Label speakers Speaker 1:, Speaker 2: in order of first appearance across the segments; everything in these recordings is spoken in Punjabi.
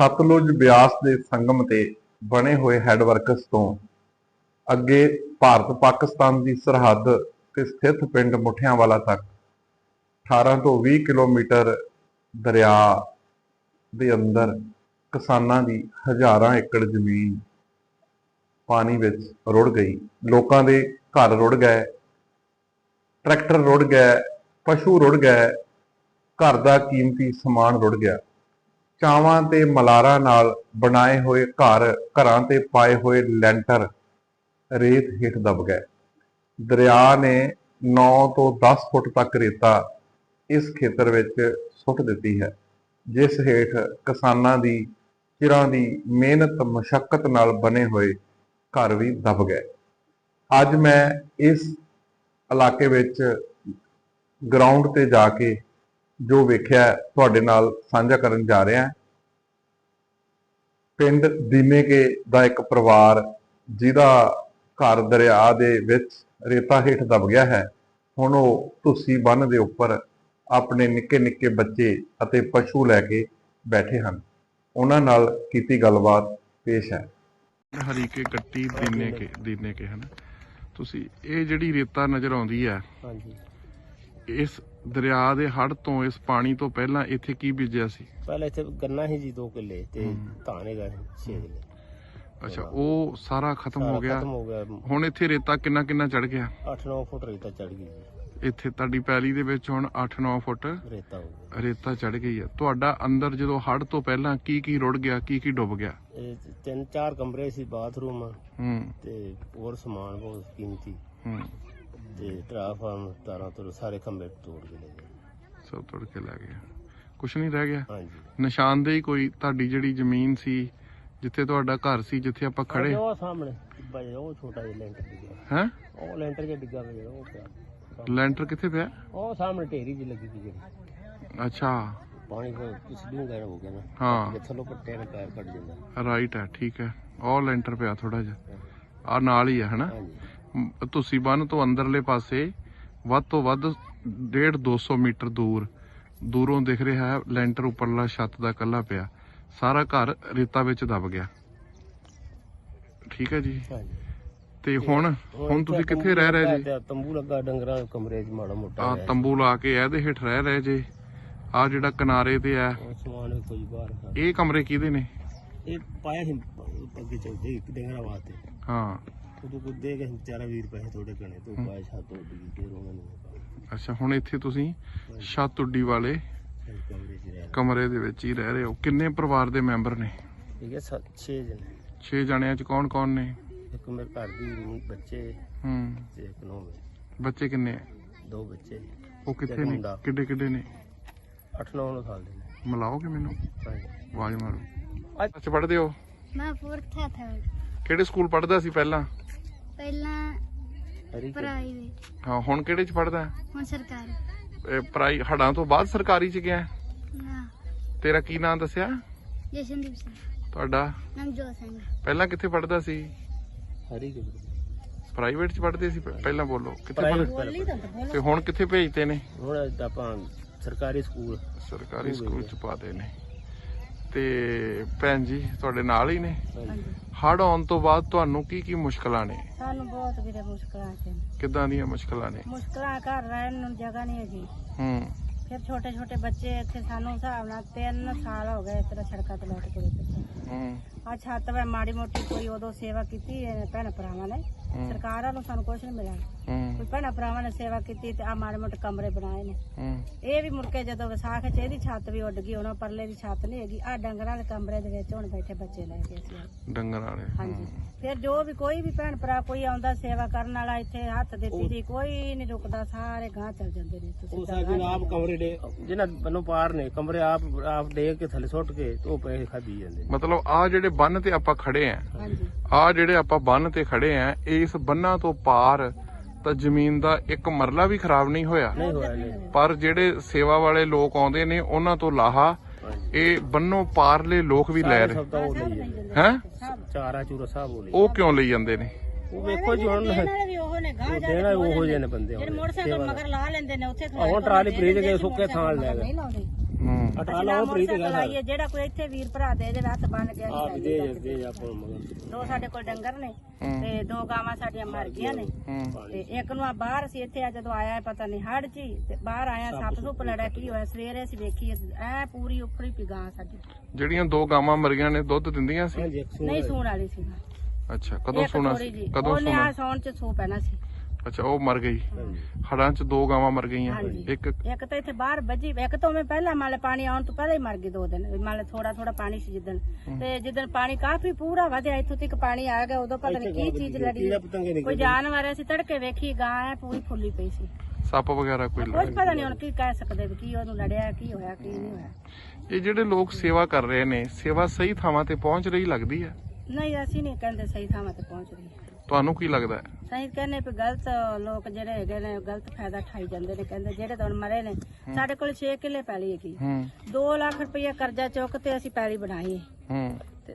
Speaker 1: ਸਤਲੁਜ ਬਿਆਸ ਦੇ ਸੰਗਮ ਤੇ ਬਣੇ ਹੋਏ ਹੈਡਵਰਕਸ ਤੋਂ ਅੱਗੇ ਭਾਰਤ ਪਾਕਿਸਤਾਨ ਦੀ ਸਰਹੱਦ ਤੇ ਸਥਿਤ ਪਿੰਡ ਮੁਠਿਆਂਵਾਲਾ ਤੱਕ 18 ਤੋਂ 20 ਕਿਲੋਮੀਟਰ ਦਰਿਆ ਦੇ ਅੰਦਰ ਕਿਸਾਨਾਂ ਦੀ ਹਜ਼ਾਰਾਂ ਏਕੜ ਜ਼ਮੀਨ ਪਾਣੀ ਵਿੱਚ ਰੁੜ ਗਈ। ਲੋਕਾਂ ਦੇ ਘਰ ਰੁੜ ਗਏ, ਟਰੈਕਟਰ ਰੁੜ ਗਏ, ਪਸ਼ੂ ਰੁੜ ਗਏ, ਘਰ ਦਾ ਕੀਮਤੀ ਸਮਾਨ ਰੁੜ ਗਿਆ। ਚਾਵਾਂ ਤੇ ਮਲਾਰਾਂ ਨਾਲ ਬਣਾਏ ਹੋਏ ਘਰਾਂ ਤੇ ਪਾਏ ਹੋਏ ਲੈਂਟਰ ਰੇਤ ਹੇਠ ਦਬ ਗਏ। ਦਰਿਆ ਨੇ 9 ਤੋਂ 10 ਫੁੱਟ ਤੱਕ ਰੇਤਾ ਇਸ ਖੇਤਰ ਵਿੱਚ ਸੁੱਟ ਦਿੱਤੀ ਹੈ, ਜਿਸ ਹੇਠ ਕਿਸਾਨਾਂ ਦੀ ਚਿਰਾਂ ਦੀ ਮਿਹਨਤ ਮਸ਼ੱਕਤ ਨਾਲ ਬਣੇ ਹੋਏ ਘਰ ਵੀ ਦਬ ਗਏ। ਅੱਜ ਮੈਂ ਇਸ ਇਲਾਕੇ ਵਿੱਚ ਗਰਾਊਂਡ ਤੇ ਜਾ ਕੇ ਜੋ ਵੇਖਿਆ ਤੁਹਾਡੇ ਨਾਲ ਸਾਂਝਾ ਕਰਨ ਜਾ ਰਿਹਾ। ਪਿੰਡ ਦੀਨੇਕੇ ਦਾ ਇੱਕ ਪਰਿਵਾਰ ਜਿਹਦਾ ਘਰ ਦਰਿਆ ਦੇ ਵਿੱਚ ਰੇਤਾ ਹੇਠ ਦਬ ਗਿਆ ਹੈ, ਹੁਣ ਉਹ ਧੁੱਸੀ ਬੰਨ੍ਹ ਦੇ ਉੱਪਰ ਆਪਣੇ ਨਿੱਕੇ ਨਿੱਕੇ ਬੱਚੇ ਅਤੇ ਪਸ਼ੂ ਲੈ ਕੇ ਬੈਠੇ ਹਨ। ਉਹਨਾਂ ਨਾਲ ਕੀਤੀ ਗੱਲਬਾਤ ਪੇਸ਼ ਹੈ।
Speaker 2: ਹਰੀਕੇ ਕੱਟੀ ਦੀਨੇਕੇ ਹਨ। ਤੁਸੀਂ ਇਹ ਜਿਹੜੀ ਰੇਤਾ ਨਜ਼ਰ ਆਉਂਦੀ ਹੈ,
Speaker 3: ਹਾਂਜੀ,
Speaker 2: ਇਸ ਦਰਿਆ ਦੇ ਹੜ੍ਹ ਤੋਂ, ਇਸ ਪਾਣੀ ਤੋਂ ਪਹਿਲਾਂ ਇੱਥੇ ਕੀ ਬੀਜਿਆ ਸੀ?
Speaker 3: ਪਹਿਲਾਂ ਇੱਥੇ ਗੰਨਾ ਸੀ ਜੀ 2 ਕਿੱਲੇ ਤੇ ਧਾਨ ਹੈਗਾ 6 ਕਿੱਲੇ।
Speaker 2: ਅੱਛਾ, ਉਹ ਸਾਰਾ ਖਤਮ ਹੋ ਗਿਆ।
Speaker 3: ਖਤਮ ਹੋ ਗਿਆ।
Speaker 2: ਹੁਣ ਇੱਥੇ ਰੇਤਾ ਕਿੰਨਾ ਚੜ ਗਿਆ?
Speaker 3: 8-9 ਫੁੱਟ ਰੇਤਾ ਚੜ ਗਈ ਜੀ।
Speaker 2: ਇੱਥੇ ਤੁਹਾਡੀ ਪੈਲੀ ਦੇ ਵਿੱਚ ਹੁਣ 8-9 ਫੁੱਟ
Speaker 3: ਰੇਤਾ ਹੋ ਗਿਆ।
Speaker 2: ਰੇਤਾ ਚੜ ਗਈ ਹੈ। ਤੁਹਾਡਾ ਅੰਦਰ ਜਦੋਂ ਹੜ੍ਹ ਤੋਂ ਪਹਿਲਾਂ ਕੀ ਰੁੜ ਗਿਆ, ਕੀ ਡੁੱਬ ਗਿਆ?
Speaker 3: ਇਹ 3-4 ਕਮਰੇ ਸੀ, ਬਾਥਰੂਮ ਤੇ ਹੋਰ ਸਮਾਨ ਬਹੁਤ ਕੀਮਤੀ ਤੇ ਟਰਾਂਸਫਾਰਮਰ ਤਾਰਾਂ ਤੋਂ ਸਾਰੇ ਖੰਭੇ ਤੋੜ ਕੇ ਲੈ ਗਏ।
Speaker 2: ਸਭ ਤੋੜ ਕੇ ਲੈ ਗਏ, ਕੁਛ ਨਹੀਂ ਰਹਿ ਗਿਆ।
Speaker 3: ਹਾਂਜੀ,
Speaker 2: ਨਿਸ਼ਾਨਦੇਹੀ ਕੋਈ ਤੁਹਾਡੀ ਜਿਹੜੀ ਜ਼ਮੀਨ ਸੀ, ਜਿੱਥੇ ਤੁਹਾਡਾ ਘਰ ਸੀ, ਜਿੱਥੇ ਆਪਾਂ ਖੜੇ,
Speaker 3: ਉਹ ਸਾਹਮਣੇ ਬਈ ਉਹ ਛੋਟਾ ਜਿਹਾ ਲੈਂਟਰ ਡਿੱਗਾ
Speaker 2: ਹੈ?
Speaker 3: ਉਹ ਲੈਂਟਰ ਜਿਹਾ ਡਿੱਗਾ ਪਿਆ, ਉਹ ਪਿਆ।
Speaker 2: ਲੈਂਟਰ ਕਿੱਥੇ ਪਿਆ?
Speaker 3: ਉਹ ਸਾਹਮਣੇ ਢੇਰੀ ਜਿਹੀ ਲੱਗੀ ਸੀ ਜਿਹੜੀ।
Speaker 2: ਅੱਛਾ,
Speaker 3: ਪਾਣੀ ਫਿਰ ਇਸ ਨੂੰ ਗਾਇਬ ਹੋ ਗਿਆ ਨਾ।
Speaker 2: ਹਾਂ,
Speaker 3: ਥੱਲੋਂ ਪੱਟੇ ਨਾਲ ਪੈਰ ਕੱਢ ਜਾਂਦਾ।
Speaker 2: ਰਾਈਟ ਹੈ, ਠੀਕ ਹੈ। ਉਹ ਲੈਂਟਰ ਪਿਆ ਥੋੜਾ ਜਿਹਾ ਆ ਨਾਲ ਹੀ ਹੈ, ਹਨਾ?
Speaker 3: ਹਾਂਜੀ,
Speaker 2: ਤੁਸੀਂ ਬੰਨ ਤੋਂ ਅੰਦਰਲੇ ਪਾਸੇ ਵੱਧ ਤੋਂ ਵੱਧ 150-200 ਮੀਟਰ ਦੂਰੋਂ ਦਿਖ ਰਿਹਾ ਹੈ ਲੈਂਟਰ ਉੱਪਰਲਾ ਛੱਤ ਦਾ ਕੱਲਾ ਪਿਆ। ਸਾਰਾ ਘਰ ਰੇਤਾ ਵਿੱਚ ਦਬ ਗਿਆ। ਠੀਕ ਹੈ ਜੀ।
Speaker 3: ਹਾਂਜੀ।
Speaker 2: ਤੇ ਹੁਣ ਤੁਸੀਂ ਕਿੱਥੇ ਰਹਿ ਰਹੇ ਜੀ?
Speaker 3: ਤੰਬੂ ਲੱਗਾ ਡੰਗਰਾਂ ਦੇ ਕਮਰੇ 'ਚ ਮਾੜਾ ਮੋਟਾ।
Speaker 2: ਆ ਤੰਬੂ ਲਾ ਕੇ ਇਹਦੇ ਹੇਠ ਰਹਿ ਰਹੇ ਜੇ। ਆ ਜਿਹੜਾ ਕਿਨਾਰੇ ਤੇ ਆ,
Speaker 3: ਸਮਾਨ ਕੁਝ ਬਾਹਰ।
Speaker 2: ਇਹ ਕਮਰੇ ਕਿਹਦੇ ਨੇ?
Speaker 3: ਇਹ ਪਾਇਆ ਸੀ ਅੱਗੇ ਚੱਲਦੇ ਡੰਗਰਾਂ ਵਾਸਤੇ।
Speaker 2: ਹਾਂ,
Speaker 3: ਉਦੋਂ ਕੁਝ ਦੇ ਕੇ ਵਿਚਾਰਾ 20 ਪੈਸੇ ਥੋੜੇ ਘਣੇ ਤੋਂ ਪਾਇਆ ਛੱਤ ਉੱਡ ਗਈ ਫਿਰ ਉਹਨਾਂ ਨੂੰ।
Speaker 2: ਅੱਛਾ, ਹੁਣ ਇੱਥੇ ਤੁਸੀਂ ਛੱਤ ਉੱਡੀ ਵਾਲੇ
Speaker 3: ਕਮਰੇ 'ਚ ਰਹਿ
Speaker 2: ਕਮਰੇ ਦੇ ਵਿੱਚ ਹੀ ਰਹਿ ਰਹੇ ਹੋ। ਕਿੰਨੇ ਪਰਿਵਾਰ ਦੇ ਮੈਂਬਰ ਨੇ?
Speaker 3: ਠੀਕ ਹੈ, 6 ਜਣੇ।
Speaker 2: 6 ਜਣਿਆਂ ਚ ਕੌਣ ਨੇ?
Speaker 3: ਇੱਕ ਮੇਰੇ ਘਰ ਦੀ ਬੱਚੇ ਤੇ ਇੱਕ ਨੌਂ
Speaker 2: ਬੱਚੇ ਕਿੰਨੇ ਆ?
Speaker 3: 2 ਬੱਚੇ।
Speaker 2: ਉਹ ਕਿੱਥੇ ਨੇ? ਕਿੱਡੇ ਨੇ?
Speaker 3: 8-9 ਸਾਲ ਦੇ ਨੇ।
Speaker 2: ਮਿਲਾਓਗੇ ਮੈਨੂੰ?
Speaker 3: ਹਾਂਜੀ।
Speaker 2: ਆਵਾਜ਼ ਮਾਰੋ। ਅੱਛਾ, ਪੜ੍ਹਦੇ ਹੋ?
Speaker 4: ਮੈਂ 4th ਥਰਡ।
Speaker 2: ਕਿਹੜੇ ਸਕੂਲ ਪੜ੍ਹਦਾ ਸੀ ਪਹਿਲਾਂ?
Speaker 4: ਪ੍ਰਾਈਵੇਟ।
Speaker 2: ਹਾਂ, ਹੁਣ ਕਿਹੜੇ ਚ ਪੜ੍ਹਦਾ?
Speaker 4: ਹੁਣ ਸਰਕਾਰੀ।
Speaker 2: ਹੜਾਂ ਤੋਂ ਬਾਅਦ ਸਰਕਾਰੀ ਚ ਗਿਆ?
Speaker 4: ਨਾ।
Speaker 2: ਤੇਰਾ ਕੀ ਨਾਮ ਦੱਸਿਆ?
Speaker 4: ਜਸ਼ਨਦੀਪ ਸਿੰਘ।
Speaker 2: ਤੁਹਾਡਾ?
Speaker 4: ਨਵਜੋਤ ਸਿੰਘ।
Speaker 2: ਪਹਿਲਾਂ ਕਿੱਥੇ ਪੜ੍ਹਦਾ ਸੀ?
Speaker 3: ਹਰੀ
Speaker 2: ਪ੍ਰਾਈਵੇਟ ਚ ਪੜ੍ਹਦੇ ਸੀ ਪਹਿਲਾਂ? ਬੋਲੋ ਕਿੱਥੇ
Speaker 3: ਪ੍ਰਾਈਵੇਟ।
Speaker 2: ਤੇ ਹੁਣ ਕਿੱਥੇ ਭੇਜਦੇ ਨੇ?
Speaker 3: ਹੁਣ ਆਪਾਂ ਸਰਕਾਰੀ ਸਕੂਲ
Speaker 2: ਚ ਪਾਦੇ ਨੇ। ਤੇ ਭੈਣ ਜੀ ਤੁਹਾਡੇ ਨਾਲ ਹੀ ਨੇ?
Speaker 3: ਹਾਂਜੀ।
Speaker 2: ਹੜ੍ਹ ਆਉਣ ਤੋਂ ਬਾਅਦ ਤੁਹਾਨੂੰ ਕੀ ਮੁਸ਼ਕਲਾਂ ਨੇ?
Speaker 4: ਸਾਨੂੰ ਬਹੁਤ ਵੀਰੇ ਮੁਸ਼ਕਲਾਂ ਸੀ।
Speaker 2: ਕਿੱਦਾਂ ਦੀਆਂ ਮੁਸ਼ਕਲਾਂ ਨੇ?
Speaker 4: ਮੁਸ਼ਕਲਾਂ ਘਰ ਰਹਿਣ ਨੂੰ ਜਗ੍ਹਾ ਨਹੀਂ ਹੈਗੀ। ਫਿਰ ਛੋਟੇ ਬੱਚੇ ਇੱਥੇ ਸਾਨੂੰ ਹਿਸਾਬ ਨਾਲ 3 ਸਾਲ ਹੋ ਗਏ ਇਸ ਤਰ੍ਹਾਂ ਸੜਕਾਂ ਤੇ ਲੁੱਟ ਕੇ। ਆ ਛੱਤ ਵੇ ਮਾੜੀ ਮੋਟੀ ਕੋਈ ਉਦੋਂ ਸੇਵਾ ਕੀਤੀ ਭੈਣ ਭਰਾਵਾਂ ਨੇ। ਸਰਕਾਰਾਂ ਨੂੰ ਸਾਨੂੰ ਕੁਛ ਨਹੀਂ ਮਿਲਿਆ। ਕੋਈ ਭੈਣ ਭਰਾਵਾਂ ਨੇ ਸੇਵਾ ਕੀਤੀ ਤੇ ਆ ਮਾੜੇ ਮੋਟੇ ਕਮਰੇ ਬਣਾਏ ਨੇ। ਇਹ ਵੀ ਮੁੜ ਕੇ ਜਦੋਂ ਵਿਸਾਖ ਚ ਇਹਦੀ ਛੱਤ ਵੀ ਉੱਡ ਗਈ, ਉਹਨਾਂ ਪਰਲੇ ਦੀ ਛੱਤ ਨਹੀਂ ਹੈਗੀ। ਆ ਡੰਗਰਾਂ ਦੇ ਕਮਰੇ ਦੇ ਵਿੱਚ ਹੁਣ ਬੈਠੇ ਬੱਚੇ ਲੈ ਕੇ ਅਸੀਂ
Speaker 2: ਡੰਗਰਾਂ ਵਾਲੇ।
Speaker 4: ਹਾਂਜੀ। ਫਿਰ ਜੋ ਵੀ ਕੋਈ ਵੀ ਭੈਣ ਭਰਾ ਕੋਈ ਆਉਂਦਾ ਸੇਵਾ ਕਰਨ ਵਾਲਾ ਇੱਥੇ ਹੱਥ ਦਿੱਤੀ ਦੀ ਕੋਈ ਨਹੀਂ ਰੁਕਦਾ, ਸਾਰੇ ਗਾਂ ਚੱਲ ਜਾਂਦੇ ਨੇ।
Speaker 3: ਤੁਸੀਂ ਆਪ ਕਮਰੇ ਦੇ ਜਿਹਨਾਂ ਬੰਨੋਂ ਪਾਰ ਨੇ ਕਮਰੇ ਆਪ ਦੇ ਕੇ ਥੱਲੇ ਸੁੱਟ ਕੇ ਉਹ ਪੈਸੇ ਖਾਧੀ ਜਾਂਦੇ।
Speaker 2: ਮਤਲਬ ਆ ਜਿਹੜੇ ਬੰਨ ਤੇ ਆਪਾਂ ਖੜੇ ਆ,
Speaker 4: ਹਾਂਜੀ,
Speaker 2: ਆ ਜਿਹੜੇ ਆਪਾਂ ਬੰਨ ਤੇ ਖੜੇ ਆ, ਇਸ ਬੰਨਾਂ ਤੋਂ ਪਾਰ ਤਾਂ ਜ਼ਮੀਨ ਦਾ ਇੱਕ ਮਰਲਾ ਵੀ ਖਰਾਬ ਨਹੀਂ ਹੋਇਆ। ਪਰ ਜਿਹੜੇ ਸੇਵਾ ਵਾਲੇ ਲੋਕ ਆਉਂਦੇ ਨੇ ਉਹਨਾਂ ਤੋਂ ਲਾਹਾ ਇਹ ਬੰਨੋਂ ਪਾਰਲੇ ਲੋਕ ਵੀ ਲੈ ਰਹੇ ਹੈ।
Speaker 3: ਚਾਰਾ ਚੂਰਾ ਸਭ
Speaker 2: ਉਹ ਕਿਉਂ ਲਈ ਜਾਂਦੇ ਨੇ?
Speaker 3: ਉਹ ਵੇਖੋ ਜੀ ਹੁਣ ਦੇਣਾ ਉਹੋ ਜਿਹੇ ਨੇ ਬੰਦੇ
Speaker 4: ਜਿਹੜੇ ਮੋਟਰਸਾਈਕਲ ਮਗਰ ਲਾ ਲੈਂਦੇ ਨੇ ਉੱਥੇ
Speaker 3: ਹੁਣ ਟਰਾਲੀ ਫਰੀਜ ਕੇ ਸੁੱਕੇ ਥਾਂ ਲੈ ਗਏ।
Speaker 4: ਅਸੀਂ ਨਾ ਮੋਟਰਸਾਈਕਲ ਆਈਏ, ਜਿਹੜਾ ਕੋਈ ਇੱਥੇ ਵੀਰ ਭਰਾ ਦੇ ਜਿਹੜੇ ਹੱਥ ਬੰਨ ਕੇ ਦੋ ਸਾਡੇ ਕੋਲ ਡੰਗਰ ਨੇ ਤੇ 2 ਗਾਵਾਂ ਸਾਡੀਆਂ ਮਰ ਗਈਆਂ ਨੇ ਤੇ ਇੱਕ ਨੂੰ ਆ ਬਾਹਰ ਸੀ, ਇੱਥੇ ਆ ਜਦੋਂ ਆਇਆ ਪਤਾ ਨਹੀਂ ਹੜ ਚ ਹੀ ਤੇ ਬਾਹਰ ਆਇਆ ਸੱਪ ਸੁੱਪ ਲੜਿਆ ਕੀ ਹੋਇਆ, ਸਵੇਰੇ ਅਸੀਂ ਵੇਖੀ ਐ ਪੂਰੀ ਉਖੜੀ ਪਈ ਗਾਂ ਸਾਡੀ।
Speaker 2: ਜਿਹੜੀਆਂ 2 ਗਾਵਾਂ ਮਰੀਆਂ ਨੇ ਦੁੱਧ ਦਿੰਦੀਆਂ ਸੀ?
Speaker 4: ਨਹੀਂ ਸੂਣ ਵਾਲੀ ਸੀ।
Speaker 2: ਅੱਛਾ, ਕਦੋਂ ਸੂਣਾ ਸੀ? ਕਦੋਂ
Speaker 4: ਉਹਨੇ
Speaker 2: ਸੂਣਾ?
Speaker 4: ਆ ਸੌਣ ਚ ਸੂ ਪੈਣਾ ਸੀ।
Speaker 2: ਅੱਛਾ, ਉਹ ਮਰ ਗਈ ਹੜਾਂ ਚ 2 ਗਾਵਾਂ ਮਰ ਗਈਆਂ। ਇੱਕ
Speaker 4: ਤਾਂ ਇੱਥੇ ਬਾਹਰ ਵੱਜੀ, ਇੱਕ ਤਾਂ ਮੈਂ ਪਹਿਲਾਂ ਮਾਲੇ ਪਾਣੀ ਆਉਣ ਤੋਂ ਪਹਿਲਾਂ ਹੀ ਮਰ ਗਈ 2 ਦਿਨ, ਮਾਲੇ ਥੋੜਾ ਥੋੜਾ ਪਾਣੀ ਸੀ ਜਿੱਦਣ, ਤੇ ਜਿੱਦਣ ਪਾਣੀ ਕਾਫੀ ਪੂਰਾ ਵਧਿਆ ਇੱਥੋਂ ਤੱਕ ਪਾਣੀ ਆ ਗਿਆ ਉਦੋਂ ਪਤਾ ਨਹੀਂ ਕੀ ਚੀਜ਼ ਲੜੀ, ਕੋਈ ਜਾਨਵਰ ਅਸੀਂ ਤੜਕੇ ਵੇਖੀ ਗਾਂ ਐ ਪੂਰੀ ਫੁੱਲੀ ਪਈ ਸੀ।
Speaker 2: ਸੱਪ ਵਗੈਰਾ ਕੋਈ
Speaker 4: ਕੁਝ ਪਤਾ ਨਹੀਂ ਹੁਣ ਕੀ ਕਹਿ ਸਕਦੇ ਵੀ ਕੀ ਉਹਨੂੰ ਲੜਿਆ, ਕੀ ਹੋਇਆ ਕੀ ਨਹੀਂ ਹੋਇਆ।
Speaker 2: ਇਹ ਜਿਹੜੇ ਲੋਕ ਸੇਵਾ ਕਰ ਰਹੇ ਨੇ, ਸੇਵਾ ਸਹੀ ਥਾਵਾਂ ਤੇ ਪਹੁੰਚ ਰਹੀ ਲੱਗਦੀ ਹੈ?
Speaker 4: ਨਹੀਂ, ਅਸੀਂ ਨਹੀਂ ਕਹਿੰਦੇ ਸਹੀ ਥਾਵਾਂ ਤੇ ਪਹੁੰਚ ਰਹੀ।
Speaker 2: ਤੁਹਾਨੂੰ ਕੀ ਲੱਗਦਾ ਹੈ?
Speaker 4: ਸਹੀ ਕਹਿੰਦੇ ਵੀ ਗਲਤ ਲੋਕ ਜਿਹੜੇ ਹੈਗੇ ਨੇ ਗਲਤ ਫਾਇਦਾ ਠਾਈ ਜਾਂਦੇ ਨੇ, ਕਹਿੰਦੇ ਜਿਹੜੇ ਤਾਂ ਹੁਣ ਮਰੇ ਨੇ। ਸਾਡੇ ਕੋਲ 6 ਕਿੱਲੇ ਪੈਲੀ ਹੈਗੀ, 2 ਲੱਖ ਰੁਪਇਆ ਕਰਜ਼ਾ ਚੁੱਕ ਤੇ ਅਸੀਂ ਪੈਲੀ ਬਣਾਈ ਤੇ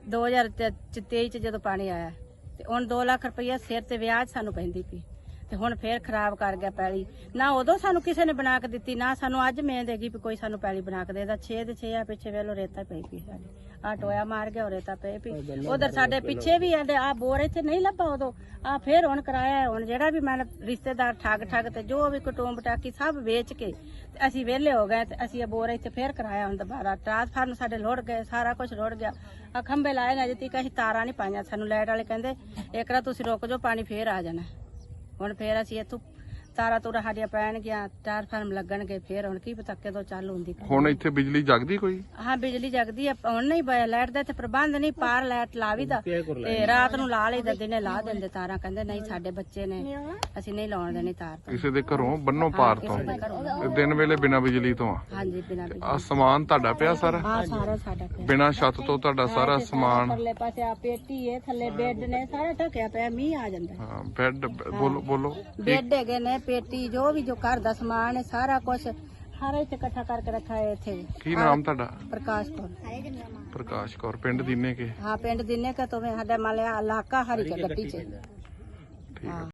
Speaker 4: 2023 ਚ ਜਦੋਂ ਪਾਣੀ ਆਇਆ ਤੇ ਹੁਣ 2 ਲੱਖ ਰੁਪਇਆ ਸਿਰ ਤੇ ਵਿਆਜ ਸਾਨੂੰ ਪੈਂਦੀ ਪਈ ਤੇ ਹੁਣ ਫੇਰ ਖਰਾਬ ਕਰ ਗਿਆ ਪੈਲੀ। ਨਾ ਉਦੋਂ ਸਾਨੂੰ ਕਿਸੇ ਨੇ ਬਣਾ ਕੇ ਦਿੱਤੀ, ਨਾ ਸਾਨੂੰ ਅੱਜ ਮਿਹਨਤ ਹੈਗੀ ਵੀ ਕੋਈ ਸਾਨੂੰ ਪੈਲੀ ਬਣਾ ਕੇ ਦੇਦਾ। 6 ਦੇ 6 ਆ ਪਿੱਛੇ ਵੇਲੋ ਰੇਤਾ ਪਈ ਪਈ ਸਾਡੀ, ਆ ਟੋਇਆ ਮਾਰ ਗਿਆ ਰੇਤਾ ਪਈ ਪਈ। ਉਧਰ ਸਾਡੇ ਪਿੱਛੇ ਵੀ ਆਂਦੇ ਆ ਬੋਰ ਇੱਥੇ ਨਹੀਂ ਲੱਭਾ ਉਦੋਂ, ਆ ਫੇਰ ਹੁਣ ਕਰਾਇਆ। ਹੁਣ ਜਿਹੜਾ ਵੀ ਮੈਂ ਰਿਸ਼ਤੇਦਾਰ ਠੱਗ ਤੇ ਜੋ ਵੀ ਕੁਟੁੰਬ ਟਾਕੀ ਸਭ ਵੇਚ ਕੇ ਤੇ ਅਸੀਂ ਵਿਹਲੇ ਹੋ ਗਏ ਤੇ ਅਸੀਂ ਇਹ ਬੋਰ ਇੱਥੇ ਫੇਰ ਕਰਾਇਆ। ਹੁਣ ਦੁਬਾਰਾ ਟਰਾਂਸਫਾਰਮ ਸਾਡੇ ਲੋੜ ਗਏ, ਸਾਰਾ ਕੁਝ ਲੋੜ ਗਿਆ। ਆ ਖੰਭੇ ਲਾਏ ਨੇ, ਅਜੇ ਤੱਕ ਅਸੀਂ ਤਾਰਾਂ ਨਹੀਂ ਪਾਈਆਂ। ਸਾਨੂੰ ਲਾਈਟ ਵਾਲੇ ਕਹਿੰਦੇ ਇੱਕ ਰਾ ਤੁਸੀਂ ਰੁਕ ਜਾਓ, ਪਾਣੀ ਫੇਰ ਆ ਜਾਣਾ। ਹੁਣ ਫੇਰ ਅਸੀਂ ਇੱਥੋਂ ਤਾਰਾਂ ਤੂਰਾਂ ਸਾਡੀਆਂ ਪੈਣਗੀਆਂ, ਟਰਾਂਸਫਾਰਮ ਲੱਗਣਗੇ, ਫੇਰ ਹੁਣ ਕੀ ਪਤਾ ਕਦੋਂ ਚਾਲੂ ਹੁੰਦੀ।
Speaker 2: ਹੁਣ ਇੱਥੇ ਬਿਜਲੀ ਜਗਦੀ ਕੋਈ?
Speaker 4: ਹਾਂ, ਬਿਜਲੀ ਜਗਦੀ ਆ। ਹੁਣ ਨਹੀਂ ਲਾਈਟ ਦਾ ਇੱਥੇ ਪ੍ਰਬੰਧ ਨਹੀਂ, ਪਾਰ ਲਾਈਟ ਲਾਵੀਦਾ ਤੇ ਰਾਤ ਨੂੰ ਲਾ ਲਈਦਾ, ਦਿਨੇ ਲਾ ਦਿੰਦੇ ਤਾਰਾਂ। ਕਹਿੰਦੇ ਨਹੀਂ ਸਾਡੇ ਬੱਚੇ ਨੇ, ਅਸੀਂ ਨਹੀਂ ਲਾਉਣ ਦੇਣੀ ਤਾਰ।
Speaker 2: ਕਿਸੇ ਦੇ ਘਰੋਂ ਬੰਨੋ ਪਾਰ ਤੋਂ ਤੇ ਦਿਨ ਵੇਲੇ ਬਿਨਾਂ ਬਿਜਲੀ ਤੋਂ?
Speaker 4: ਹਾਂਜੀ, ਬਿਨਾਂ ਬਿਜਲੀ।
Speaker 2: ਆ ਸਮਾਨ ਤੁਹਾਡਾ ਪਿਆ ਸਾਰਾ?
Speaker 4: ਹਾਂ, ਸਾਰਾ ਸਾਡਾ ਪਿਆ।
Speaker 2: ਬਿਨਾਂ ਛੱਤ ਤੋਂ ਤੁਹਾਡਾ ਸਾਰਾ ਸਮਾਨ?
Speaker 4: ਥੱਲੇ ਪਾਸੇ ਆ ਪੇਟੀ ਹੈ, ਥੱਲੇ ਬੈੱਡ ਨੇ, ਸਾਰਾ ਢੱਕਿਆ ਪਿਆ, ਮੀਂਹ ਆ ਜਾਂਦਾ।
Speaker 2: ਹਾਂ, ਬੈੱਡ ਬੋਲੋ।
Speaker 4: ਬੈੱਡ ਹੈਗੇ ਨੇ, ਪੇਟੀ, ਜੋ ਵੀ ਜੋ ਘਰ ਦਾ ਸਮਾਨ ਹੈ ਸਾਰਾ ਕੁਝ ਸਾਰਾ ਇੱਥੇ ਇਕੱਠਾ ਕਰਕੇ ਰੱਖਿਆ ਹੈ। ਇੱਥੇ
Speaker 2: ਕੀ ਨਾਮ ਤੁਹਾਡਾ?
Speaker 4: ਪ੍ਰਕਾਸ਼ ਕੌਰ।
Speaker 2: ਪ੍ਰਕਾਸ਼ ਕੌਰ, ਪਿੰਡ ਦੀਨੇ ਕੇ?
Speaker 4: ਹਾਂ, ਪਿੰਡ ਦੀਨੇ ਕੇ ਤੋਂ ਸਾਡਾ ਮਾਲਿਆ ਇਲਾਕਾ ਹਰੀ ਕੇ ਗੱਟੀ ਚ।
Speaker 2: ਠੀਕ ਹੈ।